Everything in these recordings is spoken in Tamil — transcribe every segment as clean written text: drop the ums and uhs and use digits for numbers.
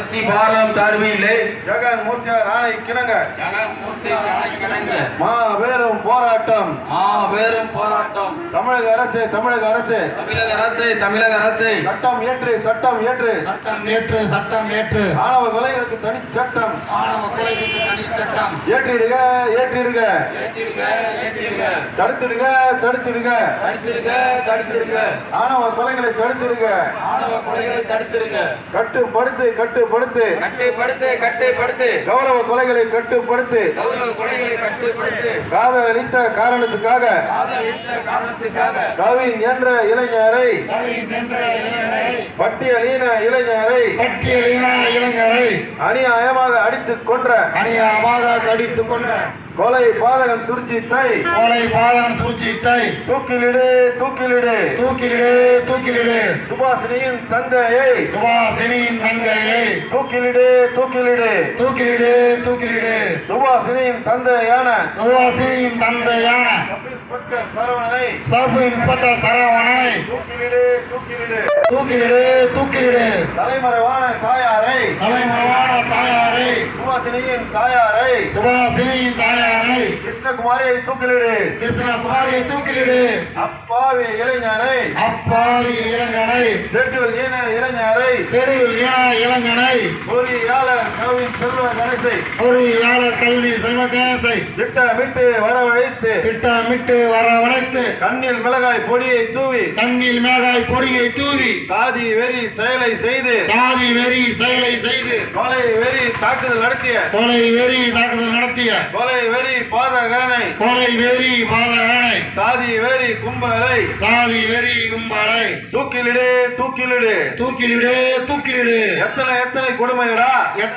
கட்சி பாரதம் சார்பிலே ஜெகன் மூர்த்தியார் ஆணை கிணங்க மாபெரும் போராட்டம் தமிழக அரசு சட்டம் ஏற்று ஆணவ கொலைகளுக்கு தனி சட்டம் ஏற்றிடுக தடுத்திடுக ஆணவ கொலைகளை தடுத்திடுக கட்டுப்படுத்து கௌரவ கொலைகளை கட்டுப்படுத்து காதலித்த காரணத்துக்காக கவின் என்ற இளைஞரை பட்டியலின இளைஞரை அநியாயமாக அடித்துக் கொன்ற கொலை பாதகன் சுர்ஜித்தை தூக்கிலிடு சுபாஷினியின் தந்தையை தூக்கிலிடு சுபாஷினியின் தந்தையான சப் இன்ஸ்பெக்டர் சரவணனை தூக்கிலிடு தலைமறைவான தாயாரை சுபாஷினியின் தாயாரை கிருஷ்ணகுமாரியை தூக்கிலிடு அப்பாவி இளைஞனை ஷெட்யூல் இளைஞரை பொறியாளர் கவின் செல்வ கணேசை திட்டமிட்டு வரவழைத்து கண்ணில் மிளகாய் பொடியை தூவி சாதி வெறி செயலை செய்து கொலை வெறி தாக்குதல் நடத்திய கொலை வெறி பாதகனை சாதி வெறி கும்பலை தூக்கிலிடு எத்தனை கொடுமையடா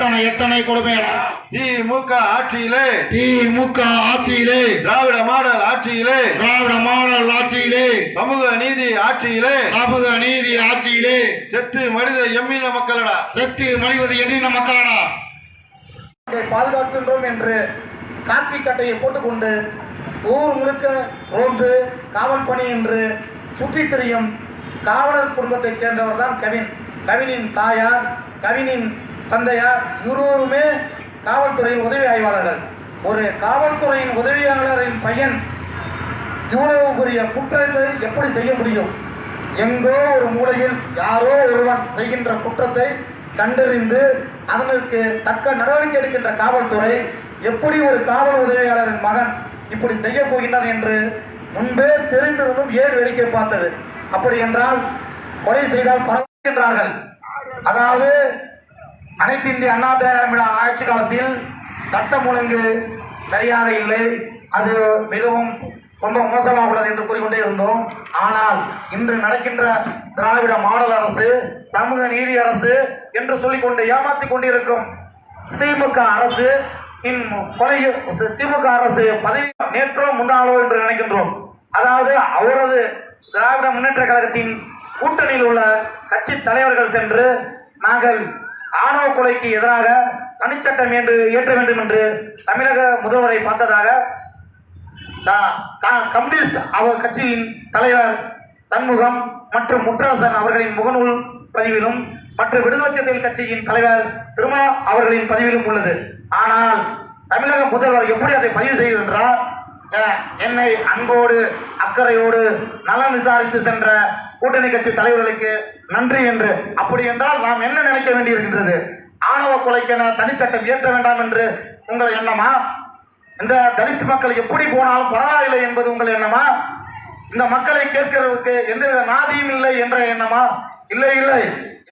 திமுக ஆட்சியிலே திராவிட மாடல் ஆட்சியிலே சமூக நீதி ஆட்சியிலே செத்து மனித எண்ணின மக்களடா பாதுகாக்கின்றோம் என்று காக்கி சட்டையை போட்டுக்கொண்டு ஊர் முழுக்க ரோந்து காவல் பணி என்று சுற்றித் திரியும் காவலர் குடும்பத்தைச் சேர்ந்தவர் தான் கவினின் தாயார் கவினின் தந்தையார் இருவருமே காவல்துறையின் உதவி ஆய்வாளர்கள். ஒரு காவல்துறையின் உதவியாளரின் பையன் இவ்வளவு பெரிய குற்றத்தை எப்படி செய்ய முடியும்? எங்கோ ஒரு மூலையில் யாரோ ஒருவன் செய்கின்ற குற்றத்தை கண்டறிந்து அதற்கு தக்க நடவடிக்கை எடுக்கின்ற காவல்துறை எப்படி ஒரு காவல் உதவியாளரின் மகன் இப்படி செய்ய போகின்றான் என்று முன்பே தெரிந்திருந்தும் ஏன் வேடிக்கை பார்த்தது? அப்படி என்றால் கொலை செய்தால் பரவுகின்றார்கள். அதாவது அனைத்து இந்திய அண்ணா திராவிட ஆட்சி காலத்தில் சட்டம் ஒழுங்கு சரியாக இல்லை, அது மிகவும் ரொம்ப மோசமாக உள்ளது என்று கூறிக்கொண்டே இருந்தோம். ஆனால் இன்று நடக்கின்ற திராவிட மாடல் அரசு, சமூக நீதி அரசு என்று சொல்லிக்கொண்டு ஏமாற்றிக் கொண்டிருக்கும் திமுக அரசு பதவி நேற்றோ முன்னாளோ என்று நினைக்கின்றோம். அதாவது அவரது திராவிட முன்னேற்ற கழகத்தின் கூட்டணியில் உள்ள கட்சி தலைவர்கள் சென்று நாங்கள் ஆணவ கொலைக்கு எதிராக தனிச்சட்டம் என்று இயற்ற வேண்டும் என்று தமிழக முதல்வரை பார்த்ததாக கம்யூனிஸ்ட் அவர் கட்சியின் தலைவர் சண்முகம் மற்றும் முற்றரசன் அவர்களின் முகநூல் பதிவிலும் மற்றும் விடுதலை சிறுத்தைகள் கட்சியின் தலைவர் திருமா அவர்களின் பதிவிலும் உள்ளது. ஆனால் தமிழக முதல்வர் எப்படி அதை பதிவு செய்கின்றார்? என்னை அன்போடு அக்கறையோடு நலம் விசாரித்து சென்ற கூட்டணி கட்சி தலைவர்களுக்கு நன்றி என்று. அப்படி என்றால் நாம் என்ன நினைக்க வேண்டியிருக்கின்றது? ஆணவ கொலைக்கென தனிச்சட்டம் இயற்ற வேண்டாம் என்று உங்கள் எண்ணமா? இந்த தலித் மக்கள் எப்படி போனாலும் பரவாயில்லை என்பது உங்கள் எண்ணமா? இந்த மக்களை கேட்கிறதுக்கு எந்தவித நாதியும் இல்லை என்ற எண்ணமா? இல்லை,